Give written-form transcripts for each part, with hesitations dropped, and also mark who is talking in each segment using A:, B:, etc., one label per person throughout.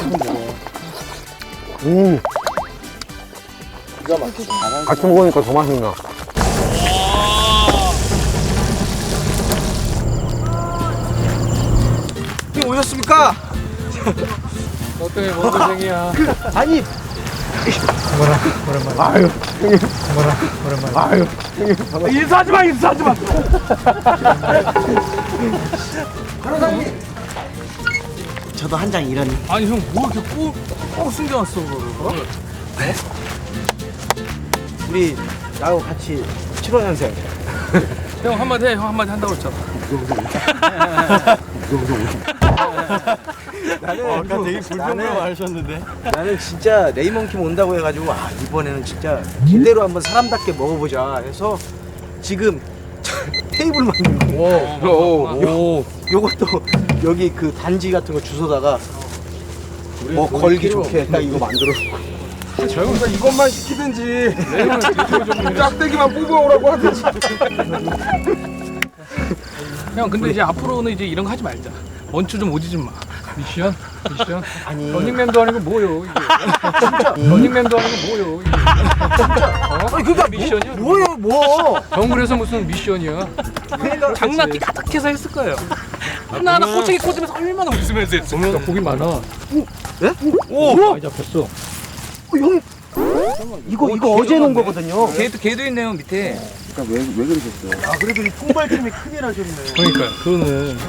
A: 같이 먹으니까 더 맛있나.
B: 형님 오셨습니까?
C: 너 때문에 뭔 고생이야.
B: 아니
C: 오랜만에.
A: 아유, 형님.
C: 오랜만에.
A: 아유, 형님.
B: 인사하지 마. 저도 한 장 이런.
C: 아니 형 뭐 이렇게 꼭 숨겨놨어 그거를.
B: 우리 나하고 같이 75년생.
C: 형 한마디 해. 형 한마디 한다고 했잖아.
B: 아까 되게 불평불만 하셨는데. 나는 진짜 레이먼킴 온다고 해가지고 이번에는 진짜 제대로 한번 사람답게 먹어보자 해서 지금 테이블만 있고 요것도 여기 그 단지 같은 거 주워다가 뭐 걸기 좋게 딱 이거 만들어놓고.
A: 저 형은 이것만 시키든지 짝대기만 뽑아오라고 하든지.
C: 형 근데 이제 앞으로는 이제 이런 거 하지 말자. 원추 좀 오지 좀 마. 미션?
B: 아니
C: 런닝맨도 아니고 뭐요 이게. 런닝맨도 아니고 뭐요 이게.
B: 아니 그니까
C: 미션이야?
B: 뭐예요 뭐.
C: 정글에서 무슨 미션이야. 장난기 가득해서 했을 거예요. 하나하나 꼬챙이 꽂으면서 얼마나 웃으면서 했어. 보면 고기 많아.
B: 예?
C: 오! 많이 잡혔어.
B: 형 이거 어제 놓은 거거든요.
D: 걔도 있네요 밑에.
A: 그러니까 왜 그러셨어요?
B: 아 그래도 이 통발팀이 큰일 하셨네.
C: 그러니까요. 그거는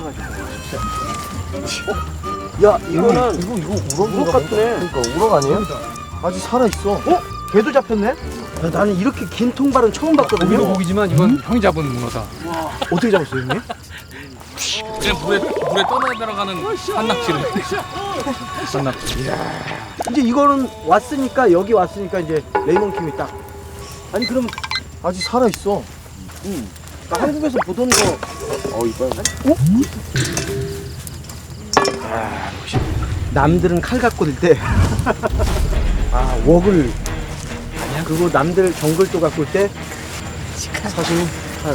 B: 야 이거는 이거 우럭 같네. 그러니까 우럭 아니에요? 아직 살아 있어. 걔도 잡혔네? 야, 나는 이렇게 긴 통발은 처음
C: 고기도
B: 봤거든요.
C: 고기지만 이건 형이 잡은 문어다.
B: 어떻게 잡았어요, 형님?
C: 그냥 물에 떠나 들어가는 산낙지를. 산낙지.
B: 이제 이거는 왔으니까 여기 왔으니까 이제 레이먼킴이 딱. 아니 그럼 아직 살아 있어. 나 한국에서 보던 거.
A: 이뻐요.
B: 역시 남들은 칼 갖고 들 때. 웍을. 그리고 남들 정글도 갖고 올 때. 사실 칼.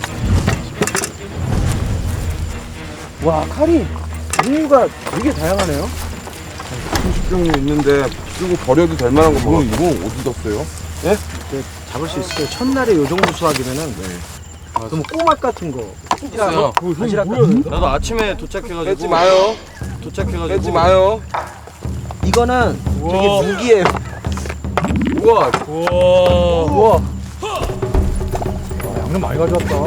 B: 와 칼이 종류가 되게 다양하네요.
A: 수십 종류 있는데 쓰고 버려도 될 만한 거 뭐? 이거 어디 뒀어요?
B: 네, 잡을 수 있을 거예요. 첫날에 요 정도 수확이면은. 그럼 꼬막 같은 거.
D: 있어요.
B: 바지락 같은 거.
D: 나도 아침에 도착해가지고.
A: 뺏지 마요.
D: 도착해가지고.
A: 뺏지 마요.
B: 이거는 되게 무기예요.
A: 우와.
B: 우와.
C: 양념 많이 가져왔다.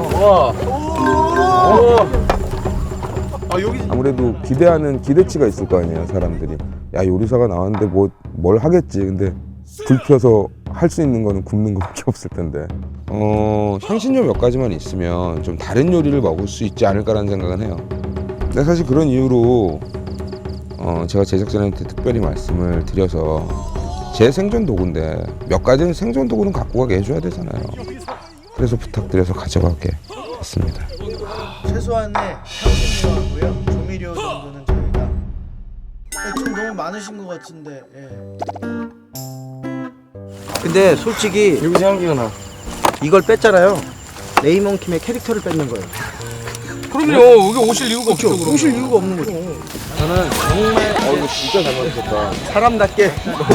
E: 아무래도 기대하는 기대치가 있을 거 아니에요, 사람들이. 야, 요리사가 나왔는데 뭘 하겠지. 근데 불 켜서 할 수 있는 거는 굽는 거밖에 없을 텐데. 향신료 몇 가지만 있으면 좀 다른 요리를 먹을 수 있지 않을까라는 생각은 해요. 근데 사실 그런 이유로 제가 제작진한테 특별히 말씀을 드려서 제 생존 도구인데 몇 가지는 생존 도구는 갖고 가게 해줘야 되잖아요. 그래서 부탁드려서 가져가게 됐습니다.
F: 최소한의 향신료하고요 조미료 정도는 저희가 좀 너무 많으신 것 같은데.
B: 근데 솔직히
D: 여기서 향기가 나.
B: 이걸 뺐잖아요. 레이먼킴의 캐릭터를 뺏는 거예요.
C: 그럼요. 여기 오실 이유가 없죠. 그럼.
B: 오실 이유가 없는 거죠. 저는 정말
A: 이거 진짜 잘 만드셨다.
B: 사람답게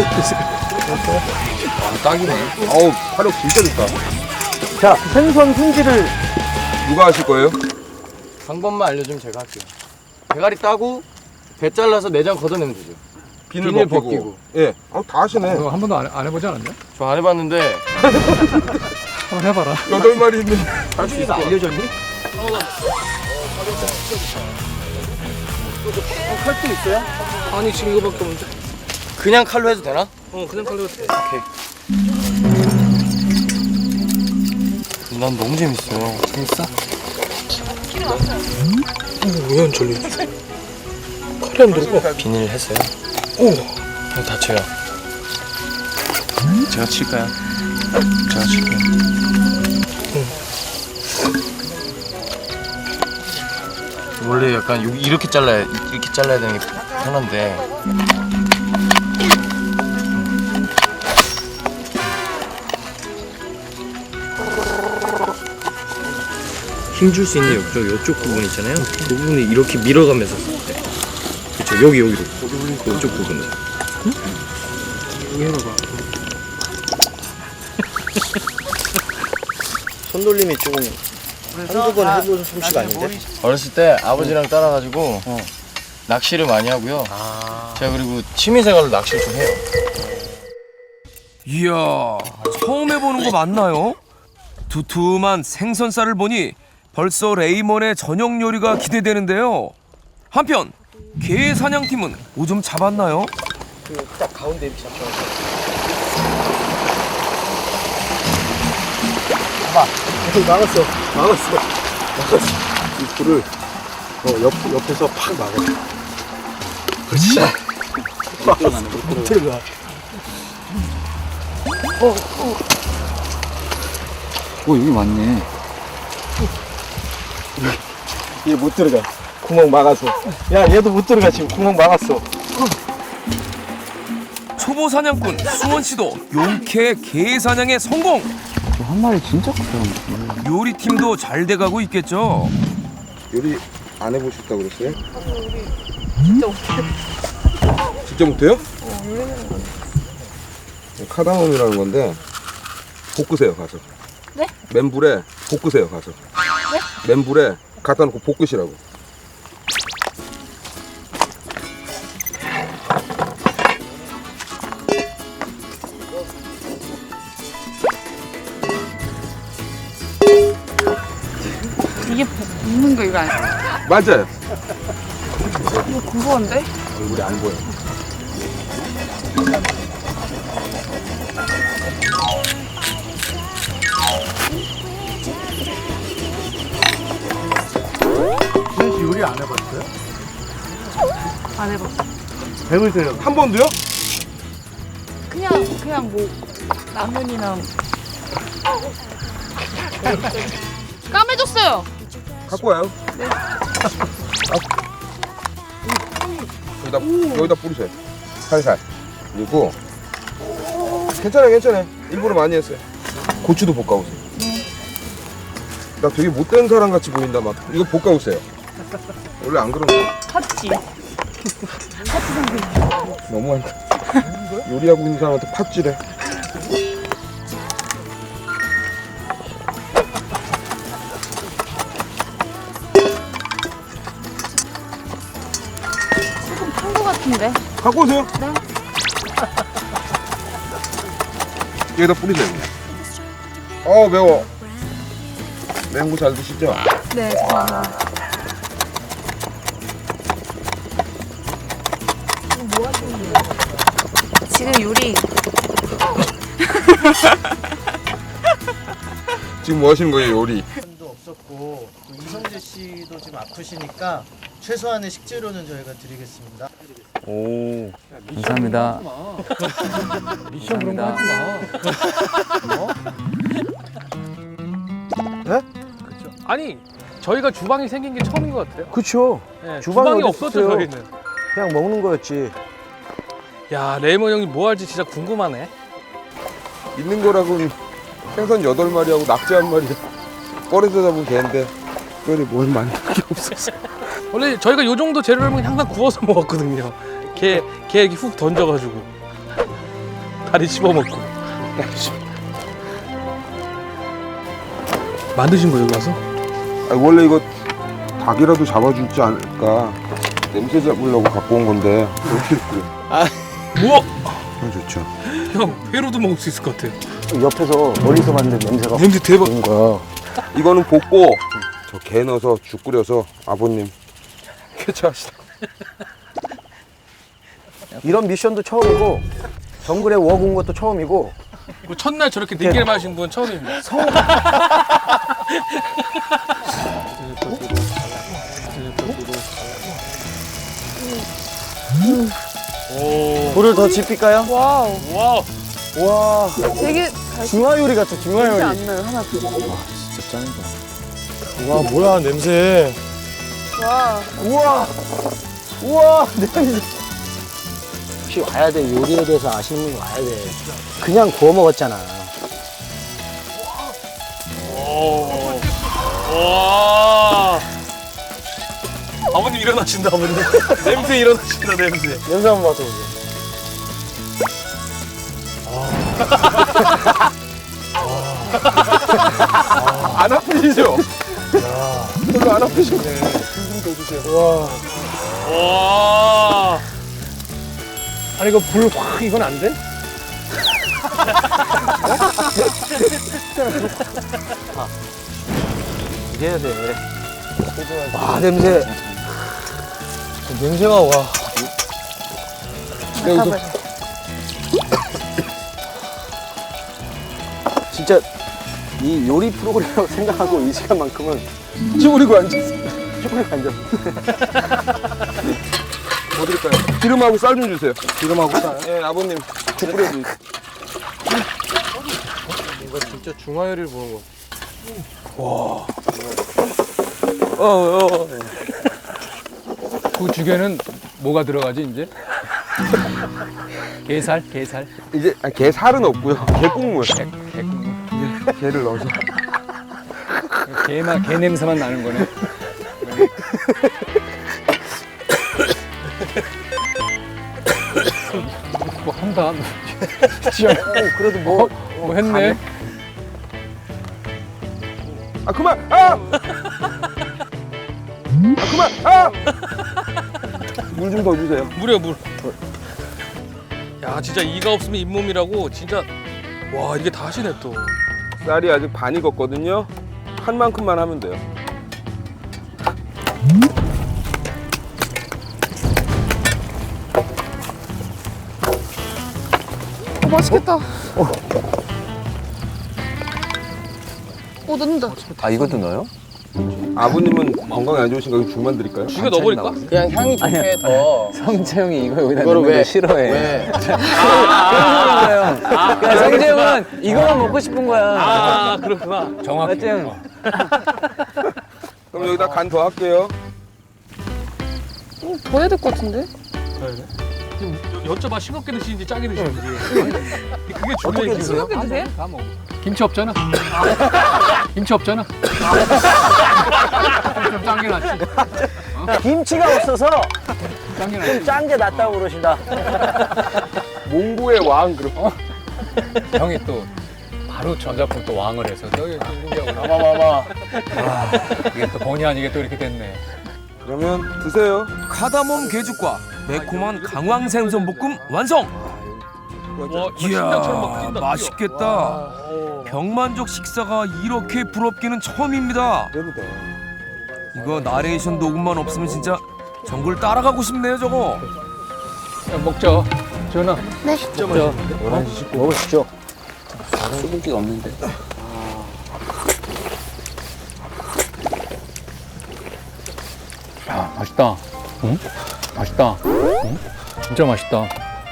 A: 딱이네. 어우, 화력 진짜 좋다.
B: 자 생선 손질을
A: 누가 하실 거예요?
D: 방법만 알려주면 제가 할게요. 대가리 따고 배 잘라서 내장 걷어내면 되죠. 비닐 벗기고.
A: 예. 다 하시네.
C: 너 한 번도 안 해보지 않았냐?
D: 저 안 해봤는데
C: 한번 해봐라.
A: 8마리 있는.
B: 할수있가 알려줬니? 칼도 있어요?
C: 아니 지금 이거밖에 없는데.
D: 그냥 칼로 해도 되나?
C: 그냥 칼로 돼.
D: 난 너무 재밌어요.
C: 재밌어? 왜 안 절리? 칼이 안 들어가.
D: 비닐 했어요. 형 다쳐요. 제가 칠까요? 제가 칠게요. 원래 약간 이렇게 잘라야 되는 게 편한데. 힘줄 수 있는 요쪽 부분 있잖아요. 그 부분을 이렇게 밀어가면서 쓸 때. 그쵸? 여기로. 이쪽 부분에.
B: 여기 해봐봐. 손놀림이 조금 한두 번 해보는 솜씨가 아닌데?
D: 어렸을 때 아버지랑 따라가지고 낚시를 많이 하고요. 제가 그리고 취미생활로 낚시를 좀 해요.
G: 이야, 처음 해보는 거 맞나요? 두툼한 생선살을 보니 벌써 레이먼의 저녁 요리가 기대되는데요. 한편 게 사냥팀은 오줌 잡았나요?
B: 그 딱 가운데 이렇게 잡혀서. 봐봐. 여기 막았어. 이 불을 옆에서 팍 막아. 그렇지. 못 들어가.
H: 오 여기 맞네.
B: 얘 못 들어가. 구멍 막아서. 야, 얘도 못 들어가. 지금 구멍 막았어.
G: 초보 사냥꾼 수원 씨도 용케 게 사냥에 성공.
H: 한 마리 진짜 크다.
G: 요리팀도 잘 돼가고 있겠죠.
E: 요리 안 해보셨다고 그랬어요? 진짜 못해요. 진짜 못해요? 카다몬이라는 건데 볶으세요 가서.
I: 네?
E: 맨불에 볶으세요 가서. 네? 맨불에 갖다 놓고 볶으시라고.
I: 이게 볶는 거 이거 아니야?
E: 맞아요.
I: 이거 궁금한데?
E: 얼굴이 안 보여.
B: 수현 씨 요리 안 해봤어요?
I: 안 해봤어.
B: 해보세요.
A: 한 번도요?
I: 그냥 뭐 라면이랑 까매졌어요.
E: 갖고 와요.
I: 네.
E: 여기다 뿌리세요. 살살. 그리고 괜찮아요. 일부러 많이 했어요. 고추도 볶아오세요. 나 되게 못된 사람 같이 보인다 막. 이거 볶아오세요. 원래 안 그런 거.
I: 팥지.
E: 너무한다. 요리하고 있는 사람한테 팥질해.
I: 조금 탄 거 같은데.
E: 갖고 오세요.
I: 네.
E: 여기다 뿌리세요. 매워. 매운 거 잘 드시죠?
I: 네, 죄송합니다. 지금 요리
E: 지금 뭐 하시는 거예요, 요리?
F: 도 없었고 또 이성재 씨도 지금 아프시니까 최소한의 식재료는 저희가 드리겠습니다.
H: 감사합니다.
C: 미션 그런 거 하지 마.
B: 네?
C: 아니 저희가 주방이 생긴 게 처음인 것 같아요.
B: 그쵸.
C: 네,
B: 주방이
C: 주방이
B: 어디
C: 없었죠
B: 있어요?
C: 저희는.
B: 그냥 먹는 거였지.
C: 야 레이먼 형이 뭐 할지 진짜 궁금하네.
E: 있는 거라고는 생선 8마리하고 낙지 1마리 꺼내서 잡은 개인데 특별히 뭘 많이 할 게 없었어.
C: 원래 저희가 요 정도 재료라면 항상 구워서 먹었거든요. 게 이렇게 훅 던져가지고 다리 씹어먹고. 만드신 거 여기 와서?
E: 원래 이거 닭이라도 잡아주지 않을까 냄새 잡으려고 갖고 온 건데 이렇게 끓여.
C: 우와!
E: 좋죠.
C: 형 회로도 먹을 수 있을 것 같아요.
B: 옆에서 멀리서 봤는데 냄새가
C: 냄새 대박.
B: 좋은 거야.
E: 이거는 볶고 저 게 넣어서 죽 끓여서 아버님 쾌차하시다.
B: 이런 미션도 처음이고 정글에 워군 것도 처음이고
C: 그 첫날 저렇게 내기를 마신 분 처음입니다.
B: 불을 더 지필까요?
I: 와우.
C: 와우.
B: 와
I: 되게
B: 중화 요리 같아 중화
I: 냄새
B: 요리.
I: 안 나요 하나도.
H: 진짜 짱이다.
B: 와 뭐야 냄새.
I: 와.
B: 우와 냄새. 혹시 와야 돼. 요리에 대해서 아시는 분 와야 돼. 그냥 구워 먹었잖아.
C: 와. 아버님 일어나신다, 아버님. 냄새 일어나신다, 냄새.
D: 냄새 한번 맡아보세요.
A: 안 아프시죠? 별로 안 아프시네.
C: 와. 아니, 이거 불 확, 이건 안 돼?
B: 이래야 돼. 와, 냄새.
D: 냄새가 와.
B: 진짜 이 요리 프로그램이라고 생각하고 이 시간만큼은
A: 쭈그리고 앉으세요.
B: 쭈그리고 앉아.
A: 뭐 드릴까요? 기름하고 쌀 좀 주세요.
B: 기름하고 쌀.
A: 예, 아버님. 죽 뿌려주세요.
D: 이거 진짜 중화요리를 보는 거.
C: 그 죽에는 뭐가 들어가지, 이제? 게살, 게살.
A: 이제 게 살은 없고요. 게 국물.
C: 개국물.
A: 이제 게를 넣어서.
C: 게만, 게 냄새만 나는 거네. 뭐 한다.
B: 그래도 뭐
C: 뭐 했네.
A: 아 그만! 아! 그만! 아! 물 좀 더 주세요.
C: 물이야, 물. 야, 진짜 이가 없으면 잇몸이라고, 진짜. 와, 이게 다 하시네, 또.
A: 쌀이 아직 반 익었거든요. 한 만큼만 하면 돼요.
I: 맛있겠다. 오, 넣는다.
H: 아 이것도 넣어요?
A: 아버님은 건강에 안 좋으신가 그럼 죽만 드릴까요?
C: 죽에 넣어버릴까?
D: 그냥 향이 좋게 더.
H: 성채형이 이거 여기다
D: 이거를
H: 넣는 거
D: 왜?
H: 싫어해.
D: 왜?
H: 그러니까 성채형은 이거만 먹고 싶은 거야.
C: 아, 그렇구나. 정확히.
H: 맞지?
A: 그럼 여기다 간 더 할게요.
I: 더 해야 될 것 같은데?
C: 여쭤봐, 싱겁게 드시는지 짜게 드시는지. 그게 중요해, 지금.
I: 싱겁게 드세요?
C: 다 먹어. 김치 없잖아. 김치 없잖아. 좀 짠 게 낫지.
B: 김치가 없어서
C: 짠 게 낫지.
B: 짠 게 낫다고 그러신다.
A: 몽고의 왕 그럼.
C: 형이 또 바로 전작품 또 왕을 해서 여기 중국이하고
D: 봐봐.
C: 이게 또 본의 아니게 또 이렇게 됐네.
A: 그러면 드세요.
G: 카다몬 게죽과 매콤한 강황 생선볶음 완성.
C: 와, 심장처럼 막
G: 이야,
C: 뛴다.
G: 맛있겠다. 병만족 식사가 이렇게 부럽기는 처음입니다. 이거 나레이션 녹음만 없으면 진짜 전국을 따라가고 싶네요, 저거.
C: 야, 먹자. 전화.
I: 네.
B: 먹으시죠.
H: 수분기가 없는데.
C: 야, 맛있다. 응? 맛있다. 응? 진짜 맛있다.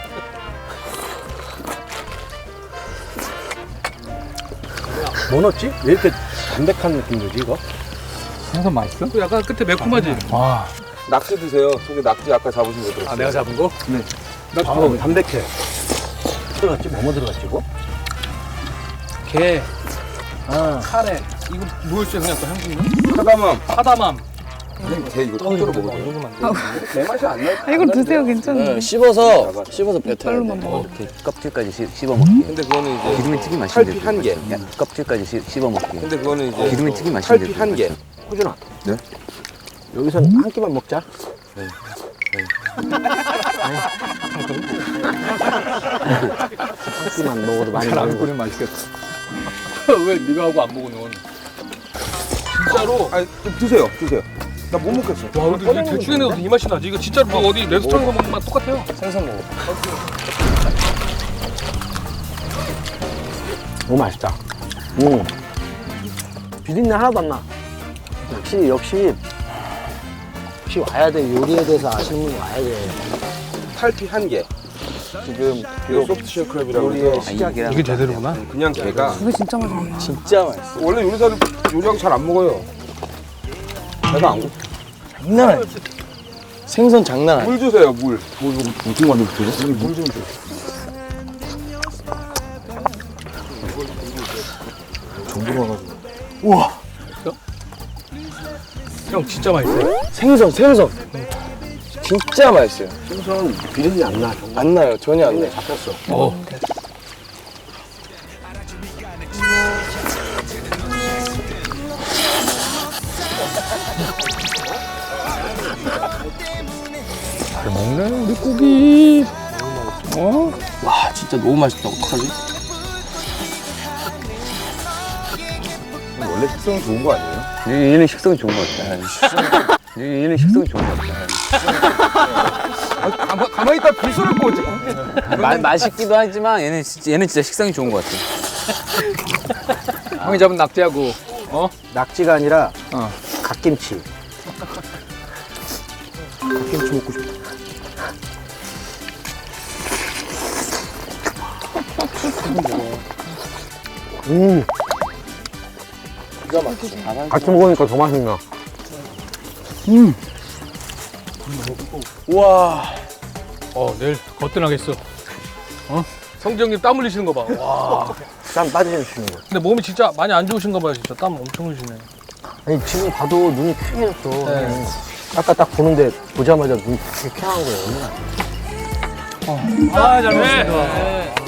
B: 뭐 넣었지? 왜 이렇게 담백한 느낌이지 이거?
C: 생선 맛있어? 약간 끝에 매콤하지? 와.
A: 낙지 드세요. 속에 낙지 아까 잡으신 거 들었어요.
C: 아, 내가 잡은 거?
B: 담백해. 들어갔지? 뭐뭐 들어갔지 이거?
C: 게, 카레. 이거 뭐였어요? 그냥 또 향신료?
A: 카다멈.
C: 사다맘.
A: 게 이거 통째로 먹어도 내 맛이 안 나.
I: 아, 이거 드세요. 괜찮은데.
D: 씹어서 뱉어야
I: 별로만
D: 돼.
I: 먹어.
H: 이렇게 껍질까지 씹어 먹기.
A: 근데 그거는 이제
H: 기름에 튀김 맛있는데.
A: 탈피 한 개.
H: 껍질까지 씹어 먹기.
A: 근데 그거는 이제
H: 기름에 튀김 맛있는데.
A: 탈피 한 개.
B: 호준아.
A: 네?
B: 여기선 한 끼만 먹자. 한 끼만 먹어도 많이
C: 잘안
B: 먹는
C: 끓이면 맛있겠다. 왜 네가 하고 안 먹어 넌? 진짜로?
A: 아니 좀 드세요. 드세요. 나 못 먹겠어.
C: 와, 근데 이거 대충 해내도 이 맛이 나지. 이거 진짜로 뭐 어디 레스토랑에서 먹는 맛 똑같아요.
D: 생선 먹어.
B: 너무 맛있다. 비린내 하나도 안 나. 역시 와야 돼. 요리에 대해서 아시는 분이 와야 돼.
A: 탈피 한 개. 지금 비록 소프트쉘 크랩이라고
B: 요리의
A: 해서
B: 시작이야.
C: 이게 제대로구나.
A: 그냥 게가
I: 이거 진짜 맛있네.
B: 진짜 맛있어.
A: 원래 요리사들 요리하고 잘 안 먹어요. 배가 안 고파.
B: 장난 아니야.
D: 생선 장난 아니야.
A: 물 주세요. 물. 무슨 관계 주세요? 물좀 줘.
B: 정도 봐가지고. 우와.
C: 형 진짜 맛있어요.
D: 생선 진짜 맛있어요.
B: 생선 비린내 안 나.
D: 안 나요. 전혀 안 나요.
B: 잡혔어.
C: 먹네 우리 고기.
D: 와 진짜 너무 맛있다. 어떡하지?
E: 원래 식성이 좋은 거 아니에요?
H: 얘는 식성이 좋은 것 같아. 얘는 식성이 좋은 것 같아.
E: 가만히 있다 불쏘를 꼬지.
H: 맛있기도 하지만 얘는 진짜 식성이 좋은 것 같아.
C: 형이 잡은 낙지하고
B: 낙지가 아니라 갓김치. 갓김치 먹고 싶다.
A: 같이 먹으니까 더 맛있나?
C: 내일 거뜬하겠어. 성정님 땀 흘리시는 거 봐. 와.
B: 땀 빠지시는 거.
C: 근데 몸이 진짜 많이 안 좋으신가 봐요. 진짜 땀 엄청 흘리시네.
B: 아니 지금 봐도 눈이 쾌해졌어. 아까 딱 보는데 보자마자 눈이 되게 쾌한 거예요.
C: 아 잘해.